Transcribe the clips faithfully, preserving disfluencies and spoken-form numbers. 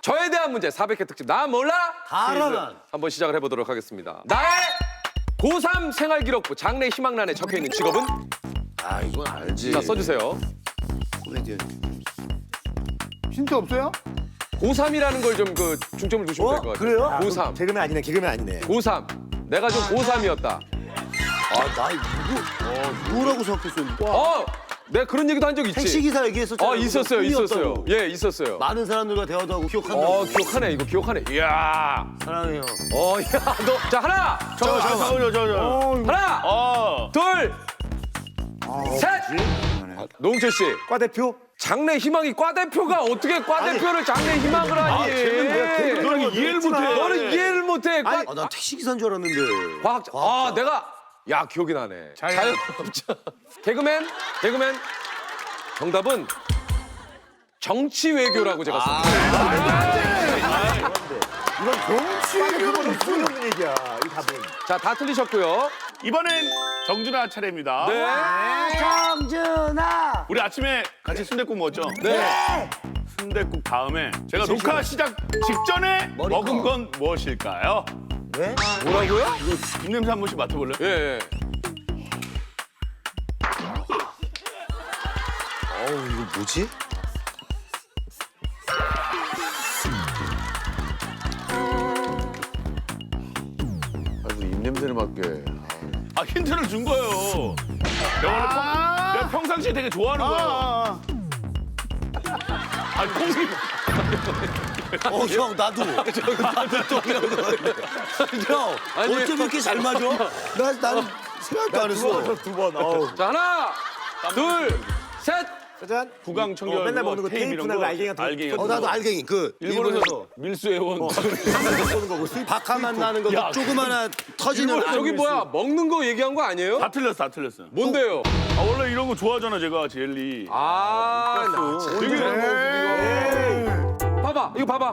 저에 대한 문제 사백 회 특집 나 몰라? 다 알아, 퀴즈 난. 한번 시작을 해보도록 하겠습니다. 나의 고삼 생활기록부 장래 희망란에 적혀있는 직업은? 아 이건 알지. 자 써주세요. 코미디언. 힌트 없어요? 고삼이라는 걸 좀 그 중점을 두시면 될 것 같아요. 그래요? 고삼. 개그맨 아니네, 개그맨 아니네. 고삼. 내가 좀 고삼이었다. 아, 나 누구, 어, 누구라고 생각했어? 어! 내가 그런 얘기도 한 적 있지. 택시기사 얘기했었잖아. 어 있었어요, 있었어요. 예, 있었어요. 많은 사람들과 대화도 하고 기억한다고. 어 기억하네, 이거 기억하네. 이야. 사랑해요. 어, 야, 너. 자 하나, 저, 저, 저, 저, 저. 하나, 어. 둘, 셋. 노홍철 씨, 과대표? 장래 희망이 과 대표가 어떻게 과 대표를 장래 희망을 하니? 너는 이해를 못해. 너는 이해를 못해. 과, 아, 난 택시기사인 줄 알았는데. 과학자. 아, 내가 야 기억이 나네. 자영업자. 개그맨, 개그맨. 정답은 정치 외교라고 제가 썼어요. 이건 정치 그건 소리 없는 얘기야, 이 답은. 자, 다 틀리셨고요. 이번엔 정준하 차례입니다. 네. 정준아! 우리 아침에 같이 순댓국 먹었죠? 네. 순댓국 다음에 제가 녹화 시작 직전에 먹은 건 무엇일까요? 왜? 뭐라고요? 입냄새 한 번씩 맡아볼래요? 예, 예. 어우, 이거 뭐지? 아, 우리 입냄새를 맡게. 아, 힌트를 준 거예요. 내가, 평, 내가 평상시에 되게 좋아하는 거예요. 아, 콩이. 어, 형, 나도. 나도 또 형, 아니, 어쩜 이렇게 잘 맞아? 나, 나는 생각도 안 했어. 두 번, 어우. 자, 하나, 둘, 셋. 짜잔. 구강 청결. 어, 맨날 먹는 거 테이프 테이프 이런 나고 거. 알갱이 같은 거. 알갱이 어, 같은 나도 거. 알갱이. 그, 일본에서 일본에서. 밀수해온. 보는 거고. 박하만 나는 거, 야, 조그마한 터지는. 저기 뭐야, 먹는 거 얘기한 거 아니에요? 다 틀렸어, 다 틀렸어. 뭔데요? 아, 원래 이런 거 좋아하잖아, 제가, 젤리. 아, 나 참. 되게 봐봐, 이거 봐봐.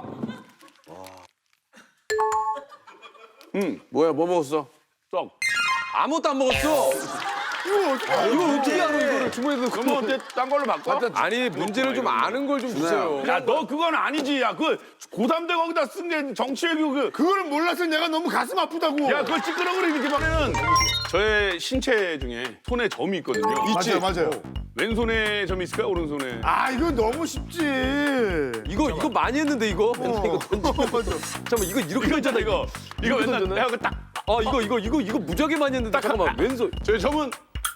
응, 뭐야, 뭐 먹었어? 떡. 아무것도 안 먹었어. 이거 어떻게 알아, 이거를 주머니에 넣고. 그러면 어때? 딴 걸로 바꿔? 아니, 문제를 좀 아는 걸 좀 주세요. 야, 너 그건 아니지. 야, 그 고삼대 거기다 쓴 게 정치외교 그. 그거를 몰라서 내가 너무 가슴 아프다고. 야, 그걸 찌끄러그리 이렇게 막으면 저의 신체 중에 손에 점이 있거든요. 맞아요, 맞아요. 왼손에 점이 있을까요? 오른손에? 아, 이거 너무 쉽지. 이거, 이거 많이 했는데, 이거. 맨날 이거 던지고. 잠깐만, 이거 이렇게 이거 있잖아, 던졌다, 이거. 이거 맨날 던졌네? 내가 그 딱. 아, 이거, 이거, 이거, 이거 무지하게 많이 했는데. 잠깐만, 왼손. 저희 점은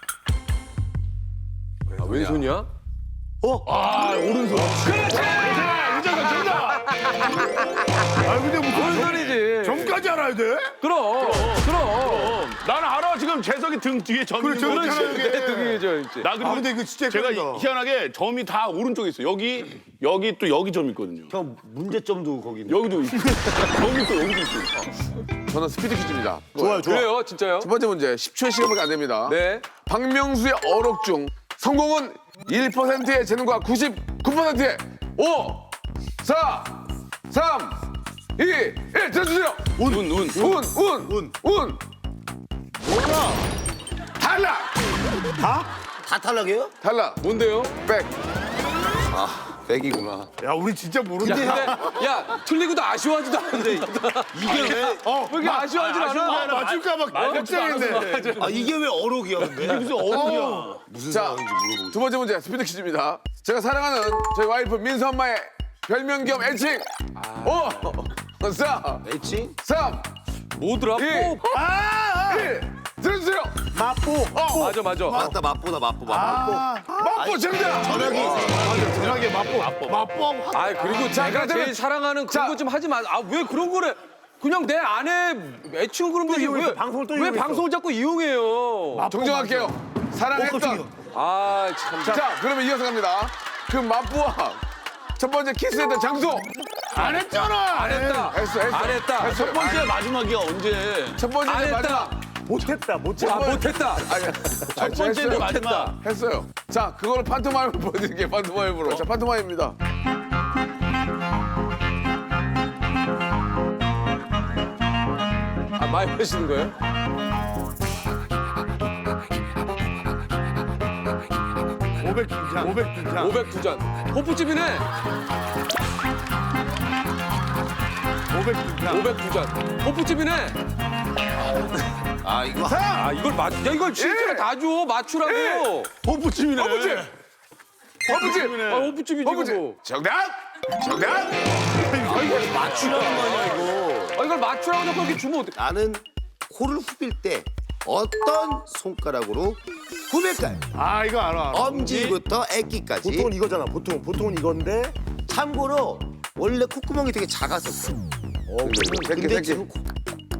아, 왼손이야? 아, 오른손. 그렇지! 윤정아, 정답! 아, 근데 무슨 왼손이지. 점까지 알아야 돼? 그럼, 그럼. 어, 나는 알아. 지금 재석이 등 뒤에 점이 그래, 있는 거. 저기 있잖아, 내 이게. 등에 저 있지. 나 그리고 아, 근데 이거 진짜 제가 헷갈린다. 희한하게 점이 다 오른쪽에 있어요. 여기, 여기 또 여기 점 있거든요. 형, 문제점도 거기 있네. 여기도 있고, 여기 또 여기도 있어요. 저는 스피드 퀴즈입니다. 좋아요, 좋아. 그래요, 진짜요? 첫 번째 문제, 십 초의 시간밖에 안 됩니다. 네. 박명수의 어록 중 성공은 일 퍼센트의 재능과 구십구 퍼센트의 오, 사, 삼, 이, 일 들어주세요. 운, 운, 운. 운, 운, 운, 운. 몰라. 탈락. 다? 다 탈락이에요? 탈락. 뭔데요? 백. 백이구나. 야, 우리 진짜 야, 모르는데. 근데, 야, 틀리고도 아쉬워하지도 않는데. 이게 왜? 어, 왜 이렇게 아쉬워하진 아쉬운 거 않아? 아니라 맞출까 봐 말 걱정했네. 아, 이게 왜 어록이야, 근데? 무슨 어른이야. 무슨 자, 상황인지 물어보고. 두 번째 문제 스피드 퀴즈입니다. 제가 사랑하는 저희 와이프 민수 엄마의 별명 겸 애칭. 오, 사, 애칭? 삼, 뭐더라? 이, 뽀. 아, 일 들어주세요. 마포. 어, 맞아, 맞아. 맞다, 마포다, 마포, 마포. 아, 맛보 정답. 전화기. 전화기 맛보. 맛보. 맛보하고 확. 아, 그리고 자, 제가 그러면- 제일 사랑하는 자. 그런 거 좀 하지 마. 아, 왜 그런 거를. 그냥 내 아내 애칭 그런 거지. 이용했어, 왜, 방송을 또 왜 이용했어. 방송을 자꾸 이용해요? 정정할게요. 사랑했던. 아, 참. 자, 그러면 이어서 갑니다. 그 맛보와 첫 번째 키스했던 장소. 안 했잖아. 안 했다. 했어, 했어. 안 했다. 했어. 첫 번째 마지막이야, 언제? 첫 번째 안 했다. 마지막. 못했다, 못했다. 아, 못했다. 아니, 첫 번째인데 마지막. 했어요. 자, 그거를 판토마임으로 보여드릴게요. 판토마임으로. 자, 판토마임입니다. 아, 많이 하시는 거예요? 오백 두 잔. 오백 두 잔. 오백 두 잔. 호프집이네. 오백두 잔. 호프집이네. 아 이거 아 이걸 맞. 야 이걸 실제로 다 줘. 맞추라고. 호프집이네. 호프집. 허브집. 아 호프집이지 허브집. 이거. 정답. 정답. 맞추라는 거냐 이거. 아 이걸 맞추라고 자꾸 이렇게 주면 어떡해. 나는 코를 후빌 때 어떤 손가락으로 후빌까요? 아 이거 알아. 알아. 엄지부터 애기까지. 보통은 이거잖아. 보통 보통은 이건데. 참고로 원래 콧구멍이 되게 작았었어. 어, 새끼 근데 새끼. 지금 코-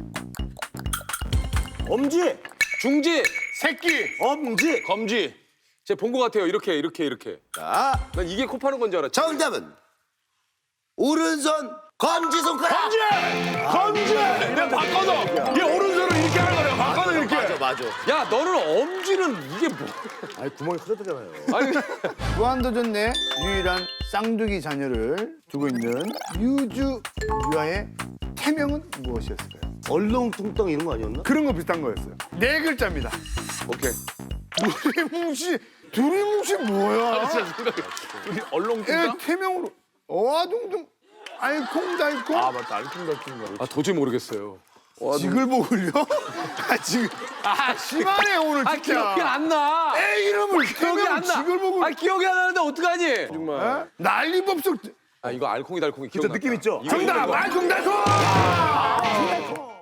엄지, 중지. 새끼. 엄지. 검지. 제가 본 것 같아요. 이렇게 이렇게 이렇게. 자, 난 이게 코 파는 건 줄 알았지. 정답은 오른손 검지 손가락. 검지. 검지. 내가 바꿔서. 얘 오른손으로 이렇게 하는 거야. 바꿔서 이렇게. 맞아 맞아. 야 너는 엄지는 이게 뭐? 아니 구멍이 커졌잖아요. 아니 무한도전 내 유일한 쌍둥이 자녀를 두고 있는 유주 유아의 태명은 무엇이었을까요? 얼렁뚱땅 이런 거 아니었나? 그런 거 비슷한 거였어요. 네 글자입니다. 오케이. 두리뭉씨, 두리뭉씨 뭐야? 진짜 생각해. 우리 애 얼렁뚱땅? 태명으로 어와둥둥 알콩달콩 아 맞다. 알콩달콩 거. 아 도저히 모르겠어요. 지글보글요? 아 지금 아 심하네 오늘 아 진짜. 기억이 안 나. 애 이름을 기억이 태명 안 나. 지글보글. 아 기억이 안 나는데 어떡하니? 정말. 어? 난리법석. 아 이거 알콩이 달콩이 그쵸, 기억나. 느낌 있죠? 이거, 이거, 정답 이거. 알콩달콩.